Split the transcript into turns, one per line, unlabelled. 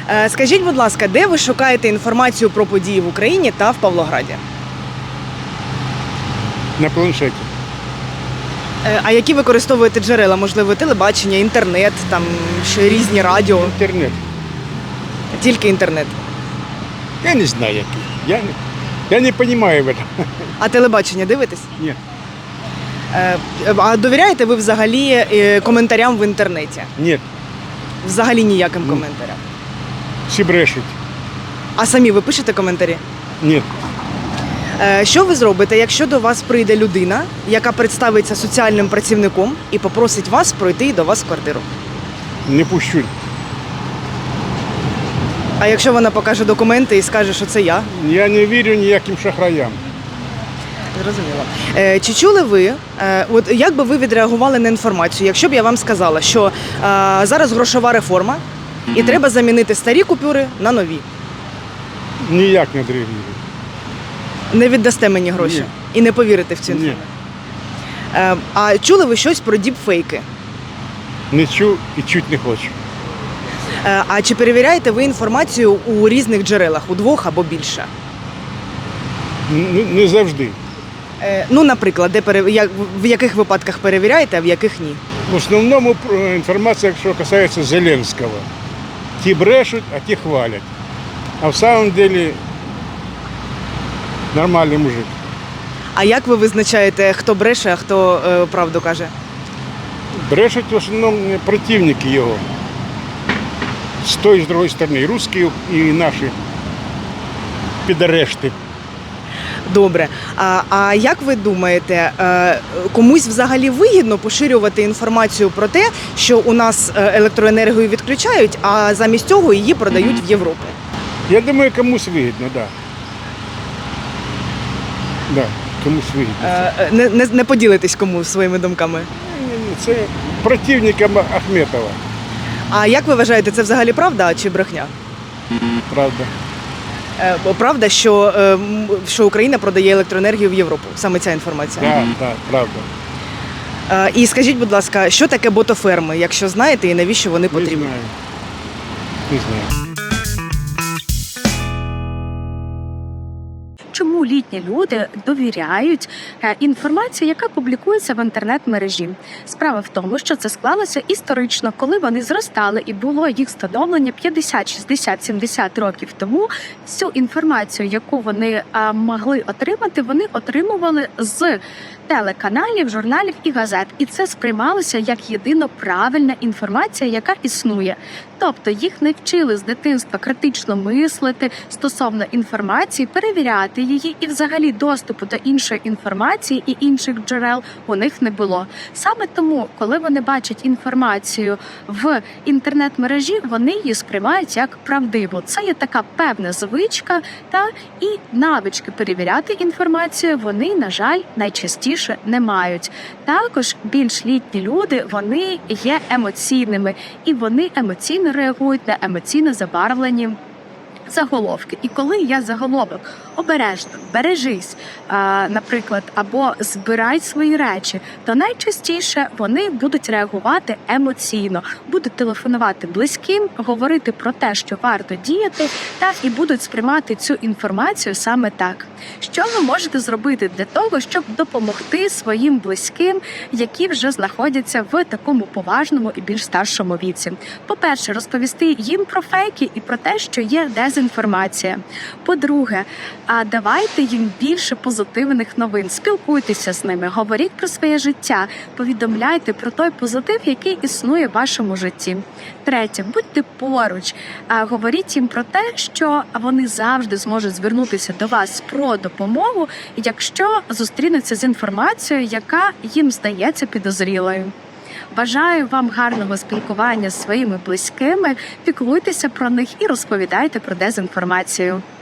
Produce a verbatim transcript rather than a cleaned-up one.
Е, Скажіть, будь ласка, де ви шукаєте інформацію про події в Україні та в Павлограді?
На планшеті.
Е, А які використовуєте джерела? Можливо, телебачення, інтернет, там ще різні радіо?
Інтернет.
Тільки інтернет.
Я не знаю, який. Я не, я не розумію в этом.
А телебачення дивитесь?
Ні.
Е, А довіряєте ви взагалі е, коментарям в інтернеті?
Ні.
Взагалі ніяким коментарям.
Всі брешуть.
А самі ви пишете коментарі?
Ні.
Е, Що ви зробите, якщо до вас прийде людина, яка представиться соціальним працівником і попросить вас пройти до вас в квартиру?
Не пущу.
А якщо вона покаже документи і скаже, що це я?
Я не вірю ніяким шахраям.
Зрозуміло. Е, Чи чули ви, е, от як би ви відреагували на інформацію, якщо б я вам сказала, що е, зараз грошова реформа і треба замінити старі купюри на нові?
Ніяк не відреагую.
Не віддасте мені гроші
Ні.
і не повірите в цю
Ні.
інформацію? Е, А чули ви щось про діпфейки?
Не чув і чуть не хочу.
Е, А чи перевіряєте ви інформацію у різних джерелах, у двох або більше?
Н- Не завжди.
Е, Ну, наприклад, де пере... як- в яких випадках перевіряєте, а в яких ні?
В основному про- інформація, що касається Зеленського. Ті брешуть, а ті хвалять. А в самом деле нормальний мужик.
А як ви визначаєте, хто бреше, а хто е, правду каже?
Брешуть в основному противники його. З тої, з другої сторони. І русські, і наші підарешти.
Добре. А, а як ви думаєте, е, комусь взагалі вигідно поширювати інформацію про те, що у нас е, електроенергію відключають, а замість цього її продають в Європу?
Я думаю, комусь вигідно, так. Да. Да, комусь вигідно.
Е, е, Не, не, не поділитесь кому своїми думками.
Ні-ні, це противникам Ахметова,
А як ви вважаєте, це взагалі правда чи брехня?
правда.
Е, Правда, що, е, м, що Україна продає електроенергію в Європу? Саме ця інформація.
Так, так, правда.
Е, І скажіть, будь ласка, що таке ботоферми, якщо знаєте, і навіщо вони
Не
потрібні?
знаю. Не знаю.
Чому літні люди довіряють е, інформації, яка публікується в інтернет-мережі? Справа в тому, що це склалося історично, коли вони зростали і було їх становлення п'ятдесят, шістдесят, сімдесят років тому. Всю інформацію, яку вони е, могли отримати, вони отримували з телеканалів, журналів і газет. І це сприймалося як єдино правильна інформація, яка існує. Тобто їх не вчили з дитинства критично мислити стосовно інформації, перевіряти її, і взагалі доступу до іншої інформації і інших джерел у них не було. Саме тому, коли вони бачать інформацію в інтернет-мережі, вони її сприймають як правдиву. Це є така певна звичка, та і навички перевіряти інформацію вони, на жаль, найчастіше не мають. Також більш літні люди, вони є емоційними, і вони емоційно реагують на емоційно забарвлені заголовки. І коли я заголовок обережно, бережись, а, наприклад, або збирай свої речі, то найчастіше вони будуть реагувати емоційно, будуть телефонувати близьким, говорити про те, що варто діяти, та і будуть сприймати цю інформацію саме так. Що ви можете зробити для того, щоб допомогти своїм близьким, які вже знаходяться в такому поважному і більш старшому віці? По-перше, розповісти їм про фейки і про те, що є дезінформація. По-друге, а давайте їм більше позитивних новин, спілкуйтеся з ними, говоріть про своє життя, повідомляйте про той позитив, який існує в вашому житті. Третє, будьте поруч, а говоріть їм про те, що вони завжди зможуть звернутися до вас про допомогу, якщо зустрінуться з інформацією, яка їм здається підозрілою. Бажаю вам гарного спілкування з своїми близькими, піклуйтеся про них і розповідайте про дезінформацію.